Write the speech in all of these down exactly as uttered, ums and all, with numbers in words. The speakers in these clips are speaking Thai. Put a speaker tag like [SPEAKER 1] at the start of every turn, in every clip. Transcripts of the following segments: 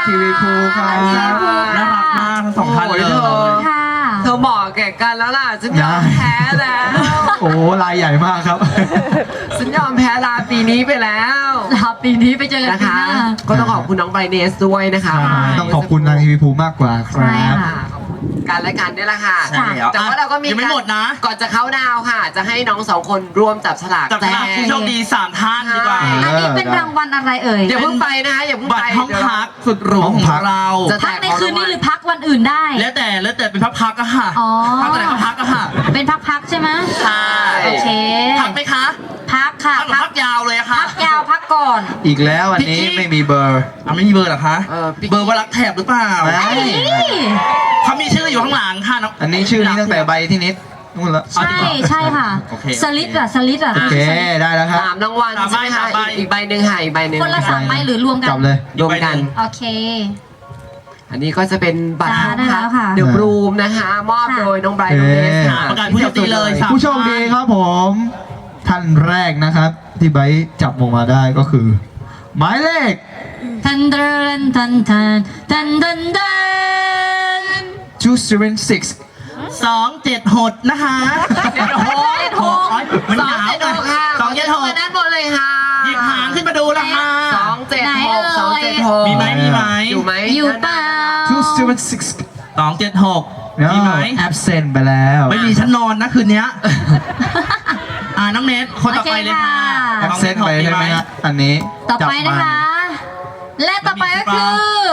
[SPEAKER 1] ทีวีภูครับน่ารักมากทั้งสองท่านเลย
[SPEAKER 2] ค่ะ
[SPEAKER 3] เธอบอกแก่กันแล้วล่ะฉันยอมแพ้แล้ว
[SPEAKER 1] โอ้ลายใหญ่มากครับ
[SPEAKER 3] ฉันยอมแพ้ลาปีนี้ไปแล้ว
[SPEAKER 2] ลาปีนี้ไปเจอกัน
[SPEAKER 3] นะ
[SPEAKER 2] ปี
[SPEAKER 3] คะ
[SPEAKER 2] หน้า
[SPEAKER 3] ก็ต้องขอบคุณน้องไบรเนสด้วยนะคะ
[SPEAKER 1] ต้องขอบคุณทางทีวีภูมากกว่าค
[SPEAKER 2] ใช่
[SPEAKER 1] รับ
[SPEAKER 2] ค่ะ
[SPEAKER 3] ขอบคุณการและกันนี่แหละค่ะ
[SPEAKER 1] ใช่แล้ว
[SPEAKER 3] แต่ว่าเราก็มี
[SPEAKER 1] ยังไม่หมดนะ
[SPEAKER 3] ก่อนจะเข้าดาวค่ะ จะให้น้องสองคนร่วมจับฉลาก
[SPEAKER 1] จับฉลากผู้โชคดีสามท่านดีกว่า
[SPEAKER 2] อันนี้เป็นรางวัลอะไรเอ่ย
[SPEAKER 3] อย่าเพิ่งไปนะคะอย่าเพิ่ง
[SPEAKER 1] บัต
[SPEAKER 3] ไป
[SPEAKER 1] รห้อง
[SPEAKER 3] เดี๋ยว
[SPEAKER 1] พักสุดหรูของเรา
[SPEAKER 3] จะ
[SPEAKER 2] พักในคืนนี้หรือพักวันอื่นได้
[SPEAKER 1] แล้วแต่แล้วแต่เป็นพักๆอะค่ะ
[SPEAKER 2] อ๋อ
[SPEAKER 1] พักแต่ไหนก็พักอะค่ะ
[SPEAKER 2] เป็นพักๆใช่ไหม
[SPEAKER 1] ใช่
[SPEAKER 2] โอเค
[SPEAKER 1] พักไหมคะ
[SPEAKER 2] พักค่ะ
[SPEAKER 1] พักหรือ
[SPEAKER 2] พั
[SPEAKER 1] พักยาวเลยอะค่ะ
[SPEAKER 2] พักยาวพักก่อน
[SPEAKER 4] อีกแล้วอันนี้ไม่มีเบอร์
[SPEAKER 1] อ่ะไม่มีเบอร์เหรอคะ
[SPEAKER 3] เออพี่
[SPEAKER 1] เบอร์ว่ารักแถบหรือเปล่า
[SPEAKER 4] ไม่
[SPEAKER 2] ไอ้
[SPEAKER 1] เขามีชื่ออยู่ข้างหลังค่ะน้อง
[SPEAKER 4] อันนี้ชื่อนี้ตั้งแต่ใบที่นิดนู่นละ
[SPEAKER 2] ใช่ใช่ค่ะ
[SPEAKER 1] โอเค
[SPEAKER 2] สลิดอะสลิดอะ
[SPEAKER 4] โอเคได้แล้วครับ
[SPEAKER 3] สามรางวัลใช่ไหมคะอีกอีกใบหนึ่งค่ะอีกใบหนึ่ง
[SPEAKER 2] คนละสามใบหรือรวมกัน
[SPEAKER 4] จับเลย
[SPEAKER 3] รวมกัน
[SPEAKER 2] โอเค
[SPEAKER 3] อันนี้ก็จะเป็นบัตร
[SPEAKER 2] ได้ได้แล้วค่ะ
[SPEAKER 3] เดอะบรูมนะคะ มอบโดยน้องไบรท์น้องเนสค่ะ
[SPEAKER 1] ประกาศผู้โชคดีเลยสาม
[SPEAKER 4] ผู้โชคดีครับผม ท่านแรกนะครับ ที่ไบร์ทจับออกมาได้ก็คือ หมายเลข
[SPEAKER 2] ทันทันทันทันทันทันทัน
[SPEAKER 4] สองเจ็ดหก
[SPEAKER 1] สองเจ็ดหกนะคะ
[SPEAKER 3] เจ็ดหก
[SPEAKER 2] เจ็ดหก
[SPEAKER 1] มัน
[SPEAKER 3] สอง
[SPEAKER 1] หนาว
[SPEAKER 3] เจ็ดหกค่ะ
[SPEAKER 1] สองเจ็ดหก
[SPEAKER 3] มาด้านบนเลยค่ะ
[SPEAKER 1] หยิบหางขึ้นมาดูละค่ะ
[SPEAKER 3] สองเจ็ด
[SPEAKER 2] ไหน
[SPEAKER 3] ห
[SPEAKER 2] เอ่
[SPEAKER 3] ก
[SPEAKER 2] ย
[SPEAKER 3] สองเจ็ดหก
[SPEAKER 1] มีไหมมีไหม
[SPEAKER 3] อยู่ไหม
[SPEAKER 2] อยู่เปล่า
[SPEAKER 4] สองเจ็ดหก
[SPEAKER 1] สองเจ็ดหก
[SPEAKER 4] เนาะ
[SPEAKER 1] มีไหม
[SPEAKER 4] แอบเซนไปแล้ว
[SPEAKER 1] ไม่มีฉันนอนนะคืนเนี้ยอ่าน้องเนทคนต่อไปเลยค่ะ
[SPEAKER 4] แอบเซนไปใช่ไหมฮะอันนี้
[SPEAKER 2] ต่อไป
[SPEAKER 4] จับ
[SPEAKER 2] นะ
[SPEAKER 4] มา
[SPEAKER 2] คะ และต่อไปก็คือ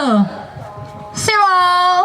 [SPEAKER 2] zero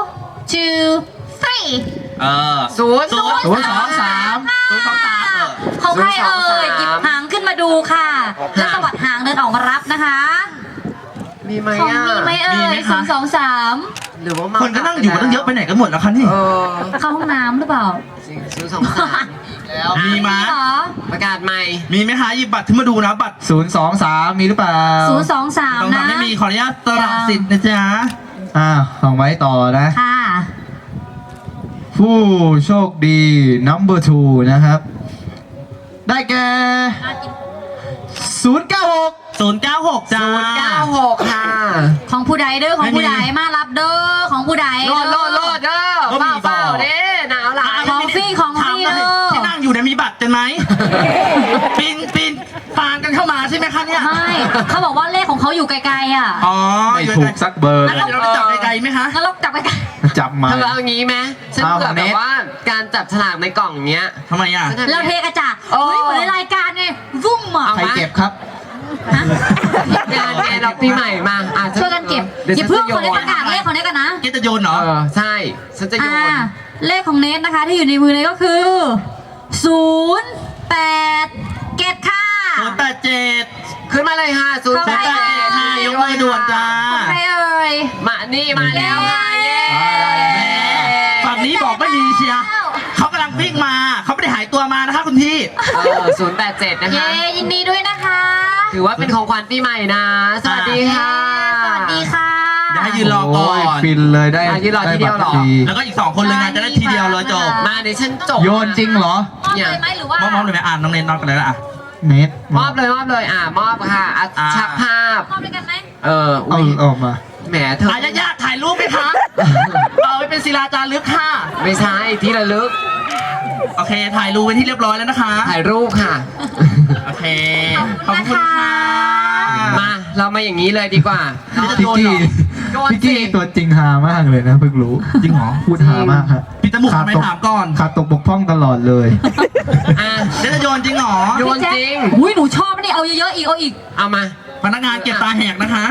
[SPEAKER 2] two three
[SPEAKER 1] เออ
[SPEAKER 3] ศูนย์
[SPEAKER 1] ศูนย์
[SPEAKER 4] ศูนย์สองสาม
[SPEAKER 1] ศูนย์สองสามเออ
[SPEAKER 2] ของใครเอ่
[SPEAKER 3] ศูนย์สอง
[SPEAKER 2] ย
[SPEAKER 3] สาม
[SPEAKER 2] หยิบหางขึ้นมาดูค่ะ แล้วสวัสดหางเดินออกมารับนะคะ
[SPEAKER 3] มีไหม
[SPEAKER 2] ของ
[SPEAKER 3] อ่ะ
[SPEAKER 2] มีไหมเอ่
[SPEAKER 1] มีไหม
[SPEAKER 2] ย
[SPEAKER 1] คะ
[SPEAKER 2] ศูนย์สองสาม
[SPEAKER 3] หรือว่ามา
[SPEAKER 1] คนก็นั่งอยู่ตั้งเยอะไปไหนกันหมดแล้วคะนี่
[SPEAKER 3] เออ
[SPEAKER 2] เข้าห้องน้ำหรือเปล่า
[SPEAKER 3] จริงศูนย์สองสามแล้ว
[SPEAKER 1] มีไหม
[SPEAKER 2] เหรอ
[SPEAKER 3] ประกาศใหม่
[SPEAKER 1] มีไหมคะหยิบบัตรขึ้นมาดูนะบัตร
[SPEAKER 4] ศูนย์สองสามมีหรือเปล่า
[SPEAKER 2] ศูนย์สองสาม
[SPEAKER 1] ต้อง
[SPEAKER 2] นะ
[SPEAKER 1] ทำไม่มีขออนุญาตสลับสิทธิ์นะจ๊ะ
[SPEAKER 4] อ่าของไว้ต่อนะ
[SPEAKER 2] ค่ะ
[SPEAKER 4] ผู้โชคดี number two นะครับ ได้แก่ศูนย์เก้าหก
[SPEAKER 1] ศูนย์เก้าหกจ้า
[SPEAKER 3] ศูนย์เก้าหกค่ะ
[SPEAKER 2] ของผู้ใดเด้อของผู้ใด
[SPEAKER 1] ไม่มี
[SPEAKER 2] มารับเด้อของผู้ใด
[SPEAKER 3] โลดโลดโลดเด้อ
[SPEAKER 1] ก็มี
[SPEAKER 3] เปล่า
[SPEAKER 1] บอก
[SPEAKER 3] เปล่าเด้หนาวหลาย
[SPEAKER 2] ของฟรีของฟรี
[SPEAKER 1] ถามหน่
[SPEAKER 2] เด้
[SPEAKER 1] อย
[SPEAKER 2] อ
[SPEAKER 1] ที่นั่งอยู่เนี่ยมีบัตรกันไหมปีนปีนปานกันเข้ามาใช่ไหมคะเนี่ย
[SPEAKER 2] ไม่เขาบอกว่าเลขของเขาอยู่ไกลๆอ่ะ
[SPEAKER 1] อ๋อ
[SPEAKER 4] ไม่ถูกสักเบอร์
[SPEAKER 1] แล้วเราได้จับไกลๆไหมคะ
[SPEAKER 2] งั้นเราจับไปกัน
[SPEAKER 4] จับมา
[SPEAKER 3] เธอเอางี้ไหมฉัน
[SPEAKER 4] เอา
[SPEAKER 3] เผื่อ
[SPEAKER 4] เน็
[SPEAKER 3] แบบ
[SPEAKER 4] ต
[SPEAKER 3] ว่าการจับฉลากในกล่องเนี้ย
[SPEAKER 1] ทำไมอ่ะ
[SPEAKER 3] ฉันทำ
[SPEAKER 2] เราเทกระจาด
[SPEAKER 3] โอ้
[SPEAKER 2] เฮ้ยเหมือนในรายการไงวุ้มอ่ะ
[SPEAKER 3] เอา
[SPEAKER 4] ใครเก็บครับ
[SPEAKER 2] ฮะ
[SPEAKER 3] งานไงเราปีใหม่มาอ่ะฉั
[SPEAKER 2] ช่วยกันเก็บ
[SPEAKER 3] ดี๋ว
[SPEAKER 2] อย่า
[SPEAKER 3] ฉั
[SPEAKER 2] เพิ่ง
[SPEAKER 3] จะ
[SPEAKER 2] คนได้ประกาศเลขของเนทกันนะ
[SPEAKER 1] เกตจะโยนเหรอ
[SPEAKER 3] เออใช่ ฉันจะโย
[SPEAKER 2] อ่าน เลขของเนทนะคะ ที่อยู่ในมือเนทก็คือศูนย์แปดเกตค่ะ
[SPEAKER 1] ศูนย์แปดเจ็ด
[SPEAKER 3] ขึ้นมาเลยค่ะศูนย์
[SPEAKER 2] เข้า
[SPEAKER 3] แป
[SPEAKER 2] ไป
[SPEAKER 3] ด
[SPEAKER 1] ศูนย์แปดเจ็ดค่ะยกมือด่วนจ้า
[SPEAKER 2] ของใครเอ่ย
[SPEAKER 3] มานี่มาแล้วค่ะเย้
[SPEAKER 1] ฝั่งนี้บอกไม่มีเชียร์เขากำลังวิ่งมาเขาไม่ได้หายตัวมานะคะคุณพี่
[SPEAKER 3] เออศูนย์แปดเจ็ดนะคะ
[SPEAKER 2] เย้ยินดีด้วยนะคะ
[SPEAKER 3] ถือว่าเป็นของขวัญปีใหม่นะ สวัสดีค่ะ
[SPEAKER 2] สวัสดีค่ะ
[SPEAKER 1] เดี๋ยวให้ยืนรอก่อน
[SPEAKER 4] โยฟินเลยได้
[SPEAKER 3] อ่ะยืนรอทีเดียวเหรอ
[SPEAKER 4] ไบัตฟ
[SPEAKER 1] แล้วก็อีกสองคนเลยงานจะได้ทีเดียวเลยจบ
[SPEAKER 3] มาเดี๋ยวฉันจบ
[SPEAKER 4] โยนจริงเหรอ
[SPEAKER 2] มอบเลยไหมหรือว่าม
[SPEAKER 1] อบมอบเลยไหมอ่านน้องเนนนอนกันเลยละอ่ะ
[SPEAKER 4] เน็ต
[SPEAKER 3] มอบเลยมอบเลยอ่ะมอบค่ะอ่ะ
[SPEAKER 1] อ่า
[SPEAKER 3] ชักภาพ
[SPEAKER 2] มอบด้วยกันไหม
[SPEAKER 3] เออ
[SPEAKER 4] เอา
[SPEAKER 3] อุ้ย
[SPEAKER 4] ออกมา
[SPEAKER 3] แหมเธอ
[SPEAKER 1] อายาญาติถ่ายรูปไหมคะ เอาไว้เป็นศิลาจารึกค่ะ
[SPEAKER 3] ไม่ใช่ที่ระลึก
[SPEAKER 1] โอเค ถ่ายรูปไว้ที่เรียบร้อยแล้วนะคะ
[SPEAKER 3] ถ่ายรูปค่ะ
[SPEAKER 1] โอเค ขอบคุณค่ะ
[SPEAKER 3] มาเรามาอย่างนี้เลยดีกว่า
[SPEAKER 1] นี่จะ
[SPEAKER 4] พี่
[SPEAKER 1] โดน
[SPEAKER 4] กี้
[SPEAKER 1] เหรอ
[SPEAKER 3] โดนสิ
[SPEAKER 4] พี่กี้ตัวจริงหามากเลยนะเพิ่งรู้
[SPEAKER 1] จริงเหรอ
[SPEAKER 4] พูดหามากครับ
[SPEAKER 1] ปิดจมูกทำไมถามก่อน
[SPEAKER 4] ขาดตกบกพร่องตลอดเลย
[SPEAKER 3] อ่ะ
[SPEAKER 1] เดี๋ยวจะโยนจริงเหรอ
[SPEAKER 3] โยนจริง
[SPEAKER 2] อุ้ยหนูชอบนี่เอาเยอะๆอีกเอาอีก
[SPEAKER 3] เอามา
[SPEAKER 1] พนักงานเก็บตาแหกนะคะ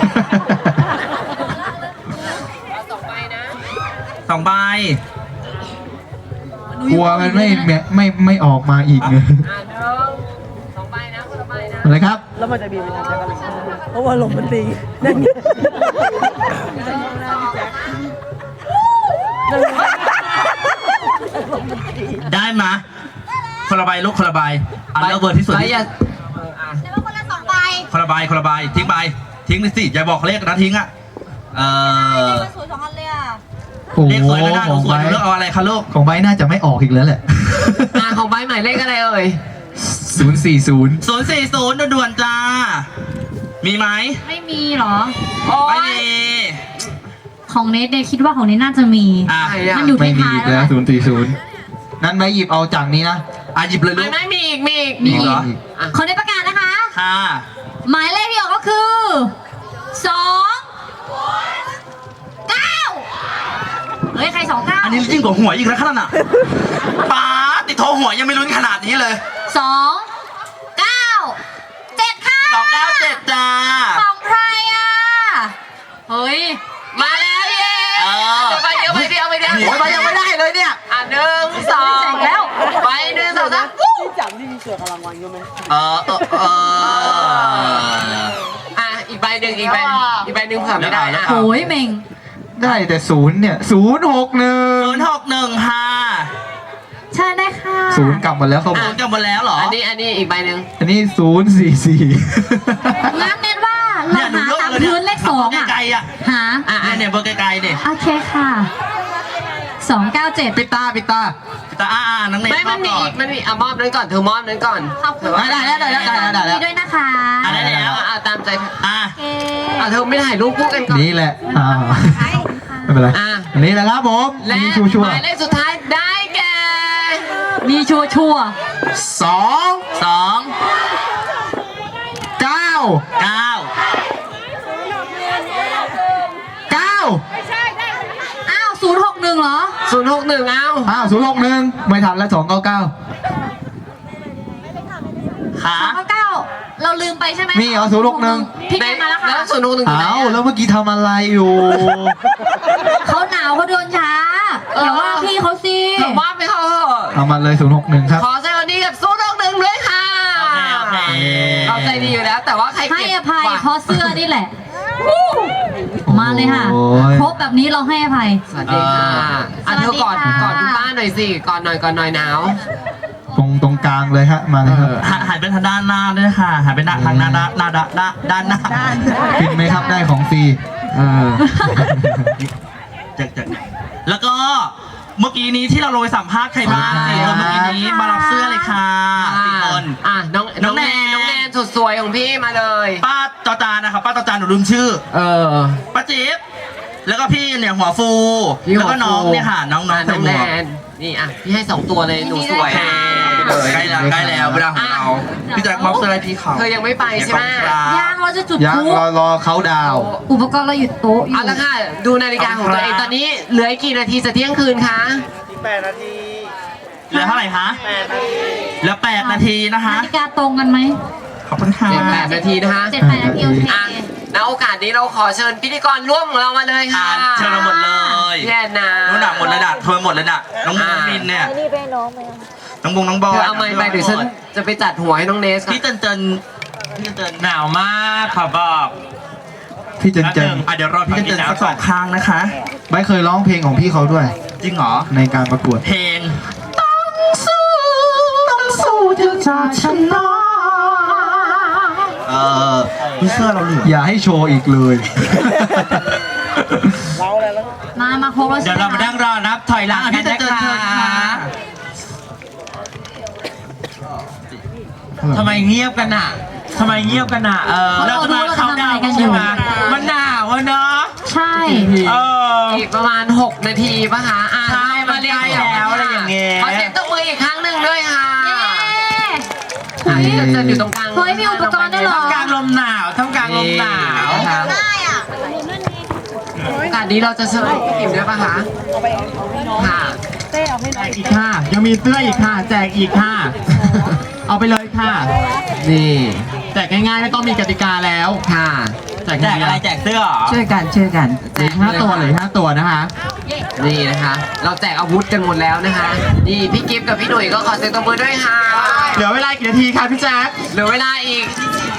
[SPEAKER 3] ต่อไปนะ
[SPEAKER 1] สองใบ
[SPEAKER 4] กลัวมันไม่ไม่ไม่ไม่ออกมาอีกเลย
[SPEAKER 3] อ่ะหนึ่งสองใบนะคนละใบนะ
[SPEAKER 4] อะไรครับ
[SPEAKER 5] แล้วมันจะบีบมันจะกันเพราะว่าลมมันตีนั่นไง
[SPEAKER 1] ได้มะคนละใบลูกคนละใบอันเลือกเบอร์ที่สุด
[SPEAKER 3] ใบอย่าเอออ่ะ
[SPEAKER 1] คนละใบคนละใบทิ้งใบทิ้งเลยสิอย่าบอกเลขนะทิ้งอ่ะเออ
[SPEAKER 2] สวยสองอันเลยอ่ะ
[SPEAKER 4] โอ้
[SPEAKER 1] เลข
[SPEAKER 4] โห
[SPEAKER 1] สวยไม่ได้ห
[SPEAKER 4] ข
[SPEAKER 1] นู
[SPEAKER 4] อง
[SPEAKER 1] สวย
[SPEAKER 4] ไบ
[SPEAKER 1] หนูเลือกเอาอะไรคะลูก
[SPEAKER 4] ของไบน่าจะไม่ออกอีกแล้วแหละ
[SPEAKER 3] อ่ะของใบหมายเลขอะไรเอ่ย
[SPEAKER 4] ศูนย์สี่ศูนย์
[SPEAKER 1] ศูนย์สี่ศูนย์ด่วนๆจ้า มีไหม
[SPEAKER 2] ไม่มีเหรอ
[SPEAKER 3] โอ้
[SPEAKER 1] ไม่
[SPEAKER 3] ย
[SPEAKER 1] มี
[SPEAKER 2] ของเนทเนี่ยคิดว่าของเนทน่าจะมี
[SPEAKER 1] อ่ะ
[SPEAKER 3] ใครอะ
[SPEAKER 2] มันอยู่
[SPEAKER 4] ไม่
[SPEAKER 2] ที่
[SPEAKER 4] มี
[SPEAKER 2] ท้าย
[SPEAKER 4] อีก
[SPEAKER 2] แล้
[SPEAKER 4] แล้ว
[SPEAKER 2] ว
[SPEAKER 4] ศูนย์สี่ศูนย์นั้นไม่หยิบเอาจากนี้นะ
[SPEAKER 1] อ่ะหยิบเลยลู
[SPEAKER 3] ไม่
[SPEAKER 1] ก
[SPEAKER 3] ไม่มีอีกมีอีก
[SPEAKER 2] มีอีก
[SPEAKER 3] เหรออ่ะ
[SPEAKER 2] ของเนทประกาศนะคะ
[SPEAKER 1] ค่ะ
[SPEAKER 2] หมายเลขที่ออกก็คือสองเก้าเฮ้ยใครสองเก้า
[SPEAKER 1] อันนี้ยิ่งกว่าหวยอีกแล้วขนาดน่ะป้าดติดโทรหวยยังไม่ลุ้นขนาดนี้เลย
[SPEAKER 2] สองเก้าเจ็ดค่ะ
[SPEAKER 1] สองเก้าเจ็ดจ้า
[SPEAKER 2] ของใครอ่ะเฮ้ย
[SPEAKER 3] มาแล้วเย้
[SPEAKER 1] เออ
[SPEAKER 3] เดี๋ยวไปเดี๋ยวไปเดี๋ยวไปเดี๋ยว
[SPEAKER 1] โอ้ยมันยังไม่ได้เลยเนี่ย
[SPEAKER 3] อ่ะหนึ่งสอง
[SPEAKER 2] แล้ว
[SPEAKER 3] ไปหนึ่งสองสาม
[SPEAKER 5] ที่จับนี่มีเสือกำลังวันอยู่ไหม
[SPEAKER 1] เออเออเออ
[SPEAKER 3] อ่ะอีกใบหนึ่งอีกใบอีกใบหนึ่งเผื่อไม่ได้อ่ะ
[SPEAKER 2] โอ้ยเมง
[SPEAKER 4] ได้แต่ศูนย์เนี่ยศูนย์หกหนึ่ง
[SPEAKER 1] ศูนย์หกหนึ่งค่ะ
[SPEAKER 2] ใช่ได้ค่ะ
[SPEAKER 4] ศูนย์กลับหมดแล้วเขาบ
[SPEAKER 1] ศู
[SPEAKER 4] อก
[SPEAKER 1] นย์กลับหมดแล้วเหรอ
[SPEAKER 3] อันนี้อันนี้อีกใบหนึ่ง
[SPEAKER 4] อันนี้ศูนย์สี่สี่
[SPEAKER 2] งั้นเน้นว่าเรา
[SPEAKER 1] เนี่ยหนู
[SPEAKER 2] หาย
[SPEAKER 1] ก
[SPEAKER 2] ตาม
[SPEAKER 1] เลยเนี่ย
[SPEAKER 2] พื้นเลขสองอ่ะ
[SPEAKER 1] ไกลๆอ่ะ
[SPEAKER 2] หา
[SPEAKER 3] อ่ะ
[SPEAKER 1] อ่ะ
[SPEAKER 3] อ่ะ
[SPEAKER 1] เนี่ยเบอร์ไกลๆเนี่ย
[SPEAKER 2] โอเคค่ะสองเก้าเจ็ด
[SPEAKER 4] ปิดตาปิดตา
[SPEAKER 1] แต่อ่าอ่านังเนย
[SPEAKER 3] ไม่มันมี
[SPEAKER 1] ก่อ
[SPEAKER 3] อี
[SPEAKER 1] น
[SPEAKER 3] กมันมีอ่ะมอบนั้นก่อนเธอมอบนั้นก่อน
[SPEAKER 2] ขอบคุณ
[SPEAKER 4] ได้ได้ได้ได้ได้ได้ได้
[SPEAKER 2] ด้วยนะคะ
[SPEAKER 1] อ่ะได้แล้ว
[SPEAKER 3] อ่ะอ่ะตามใจ
[SPEAKER 1] อ่ะ
[SPEAKER 2] โอเค
[SPEAKER 3] อ่ะเธอไม่ถ่ายรูปคู่กันก่อน
[SPEAKER 4] นี่แหละอ่าไม่เป็นไร
[SPEAKER 3] อ่ะ
[SPEAKER 4] อันนี้แหละครับผม
[SPEAKER 3] และ
[SPEAKER 4] มีชัวชัว
[SPEAKER 3] หมายเลขสุดท้ายได้แก่
[SPEAKER 2] มีชัวชัวร์
[SPEAKER 4] สอง
[SPEAKER 1] สอง
[SPEAKER 4] เก้า
[SPEAKER 1] เก้า
[SPEAKER 4] เก้า
[SPEAKER 2] อ้าวศูนย์หกหนึ่งเหรอ
[SPEAKER 3] ศูนย์หกหนึ่งเอา
[SPEAKER 4] อ้าวศูนย์หกหนึ่งไม่ทันแล้วสองเก้าเก้า
[SPEAKER 1] ขา
[SPEAKER 2] สองเก้าเก้าเราลืมไปใช่ไหม
[SPEAKER 4] มีเหรอศูนย์หกหนึ่ง
[SPEAKER 2] พี่แกมาแล้วค่ะ
[SPEAKER 3] แล้วศูนย์หกหนึ่งอยู่ไหน
[SPEAKER 4] อ้าว
[SPEAKER 3] อ่ะ
[SPEAKER 4] แล้วเมื่อกี้ทำอะไรอยู่
[SPEAKER 2] เขาหนาวเขาเดินช้าอย่าว่าพี่เขาสิ
[SPEAKER 3] เธอมอบไปเขาเถอะ
[SPEAKER 4] เอามาเลยศูนย์หกหนึ่งครับ
[SPEAKER 3] ขอแสดงความดีกับศูนย์หกหนึ่งด้วยค่ะ
[SPEAKER 1] โอเคโอเค
[SPEAKER 3] เราใจดีอยู่แล้ว แต่ว่าใคร
[SPEAKER 2] ให้
[SPEAKER 3] เก็บ
[SPEAKER 2] อภัย
[SPEAKER 3] กว่า
[SPEAKER 2] เพราะเสื้อนี่แหละ มาเลยค่ะ
[SPEAKER 4] โอ้ย
[SPEAKER 2] ครบแบบนี้เราให้อภัย
[SPEAKER 3] สวัสดีค่ะอ่ะเธอกอด
[SPEAKER 2] สวัสดีค่ะ
[SPEAKER 3] กอดคุณป้าหน่อยสิกอดหน่อยกอดหน่อยหนาว
[SPEAKER 4] ตรงตรงกลางเลยฮะ มาเลยครับ
[SPEAKER 1] หันหันไปทางด้านหน้าด้วยค่ะหันไปหน้าทางหน้าด้านหน้าด้านหน้าด้านหน้า
[SPEAKER 4] กินไหมครับได้ของฟรีเออ
[SPEAKER 1] จากจากแล้วก็เมื่อกี้นี้ที่เราลงไปสัมภาษณ์ใครบ้างสี่คนเมื่อกี้นี้มารับเสื้อเลยค่ะสี่คน
[SPEAKER 3] อ่ะน้อง
[SPEAKER 1] น้
[SPEAKER 3] น้
[SPEAKER 1] อ
[SPEAKER 3] อง ง
[SPEAKER 1] แน
[SPEAKER 3] แน
[SPEAKER 1] น
[SPEAKER 3] นน้องแนนสุดสวยของพี่มาเลย
[SPEAKER 1] ป้าจอจานนะครับป้าจอจานหนูลืมชื่อ
[SPEAKER 3] เออ
[SPEAKER 1] ป้าจิ๊บแล้วก็พี่เนี่ยหัวฟู
[SPEAKER 3] พี่หั
[SPEAKER 1] แล้ว วก็น้องเนี่ยค่ะน้องน้อง
[SPEAKER 3] อ่ะ
[SPEAKER 1] ใส่
[SPEAKER 3] น้อง
[SPEAKER 1] หม
[SPEAKER 3] แน
[SPEAKER 1] วก
[SPEAKER 3] นนี่อ่ะพี่ให้สองตัวเลยหนูสวย
[SPEAKER 1] โอเคใกล้แล้วใกล้แล้วเวลาของเราพี่แจ็คมอบเสื้อให้พี่เขา
[SPEAKER 3] เธอยังไม่ไปใช่ไหม
[SPEAKER 2] ยางเราจะจุด
[SPEAKER 4] ยัง
[SPEAKER 2] พลุ
[SPEAKER 4] รอรอเขาดาวน์
[SPEAKER 2] อุปกรณ์เราหยุดโต๊ะอยู่
[SPEAKER 3] เอาละค่ะ ดูนาฬิกาของตัวเองตอนนี้เหลืออีกกี่นาทีจะเที่ยงคืนคะ
[SPEAKER 1] เหลือเท่าไหร่คะเหลือแปดนาทีนะคะ
[SPEAKER 2] นาฬิกาตรงกันไหม
[SPEAKER 1] ขอบคุณค่ะ
[SPEAKER 3] เจ็ดแปดนาทีนะคะ
[SPEAKER 2] เจ็ดแปดนาทีโอเค
[SPEAKER 3] อ่ะณโอกาสนี้เราขอเชิญพิธีกรร่วมของเรามาเลย
[SPEAKER 1] อ่า
[SPEAKER 3] ค่ะ
[SPEAKER 1] นเชิญเราหมดเลย
[SPEAKER 3] พี่แอนนา
[SPEAKER 1] น้องหนักหมดเลยน่ะเธอหมดเลยน่ะน้องมุงน้องมินเนี่ย
[SPEAKER 5] นี่ไปน้องไหม
[SPEAKER 1] น้องบุงน้องบอ
[SPEAKER 3] เธ
[SPEAKER 1] ล
[SPEAKER 3] อเอาไม้ไปเดี๋ยวฉันจะไปจัดหัวให้น้องเนสก่อน
[SPEAKER 1] พี่เตินเตินพี่เติน
[SPEAKER 6] หนาวมากขอบอก
[SPEAKER 4] พี่เจนเจน
[SPEAKER 1] อ่ะเดี๋ยวรอพี่เตินเตินสักสองครั้งนะคะ
[SPEAKER 4] ไม่เคยร้องเพลงของพี่เขาด้วย
[SPEAKER 1] จริงเหรอ
[SPEAKER 4] ในการประกวด
[SPEAKER 1] เพลงต้องสู้ต้องสู้จนจะชนะเออพี่เสื้อเราเหลือ
[SPEAKER 4] อย่าให้โชว์อีกเลย
[SPEAKER 5] เราอะไรแล้ว
[SPEAKER 2] มา มาครบแล้ว
[SPEAKER 6] เดี๋
[SPEAKER 2] ใช่
[SPEAKER 6] ยว
[SPEAKER 2] ไหม
[SPEAKER 6] เรามานั่งรอนับถอยหลัง
[SPEAKER 1] อ่ะ
[SPEAKER 6] กั
[SPEAKER 1] พี่
[SPEAKER 6] น
[SPEAKER 1] เติน
[SPEAKER 6] นะ
[SPEAKER 1] เติน
[SPEAKER 6] ค
[SPEAKER 1] เชิญค่ะ
[SPEAKER 6] ะทำไมเงียบกันอ่ะทำไมเงียบกันอ่ะเออ
[SPEAKER 2] เรา
[SPEAKER 6] เรา
[SPEAKER 2] ดู
[SPEAKER 6] จะมา
[SPEAKER 2] เรา
[SPEAKER 6] เข้า
[SPEAKER 2] ทำ
[SPEAKER 6] ดา
[SPEAKER 2] อะไร
[SPEAKER 6] ว
[SPEAKER 2] กันอ
[SPEAKER 6] ใช่
[SPEAKER 2] ยู่
[SPEAKER 6] ไหมมันหนาวอะเนาะ
[SPEAKER 2] ใช่
[SPEAKER 6] เออ
[SPEAKER 3] อีกประมาณหกนาทีป่ะคะอ่ะ
[SPEAKER 6] ใช่มันใกล้แล้วอะไรอย่างเงี้ย
[SPEAKER 3] ขอเสียงตบมืออีกครั้งหนึ่งด้วยค่ะ
[SPEAKER 2] เย้
[SPEAKER 3] อ่ะที่จะเจออยู่ตรงกลาง
[SPEAKER 2] เฮ้ยมีอุปกรณ์ด้วยเหรอ
[SPEAKER 6] ท่ามกลางลมหนาวท่ามกลางลมหนาว
[SPEAKER 3] นะคะโอกาสนี้เราจะเชิญพี่กิมด้วยป่ะคะค่ะ
[SPEAKER 5] เต้เอาให้น้อง
[SPEAKER 6] อีกค่ะ ยังมีเสื้ออีกค่ะ แจกอีกค่ะ เอาไปเลยค่ะ
[SPEAKER 3] นี่
[SPEAKER 6] แจกง่ายๆไม่ต้องมีกติกาแล้ว
[SPEAKER 3] ค่ะ
[SPEAKER 6] แจก
[SPEAKER 1] แจก
[SPEAKER 6] ง่ายๆ
[SPEAKER 1] อะไรแจกเสื้อเหรอ
[SPEAKER 6] ช่วยกันช่วยกันเหลือห้าตัวเหลือห้าตัวนะคะ
[SPEAKER 3] นี่นะคะ เราแจกอาวุธกันหมดแล้วนะคะ นี่พี่กิฟต์กับพี่หนุ่ยก็ขอเสียงตบมือด้วยค่ะ
[SPEAKER 6] เหลือเวลากี่นาทีคะพี่แจ๊ค
[SPEAKER 3] เหลือเวลาอีก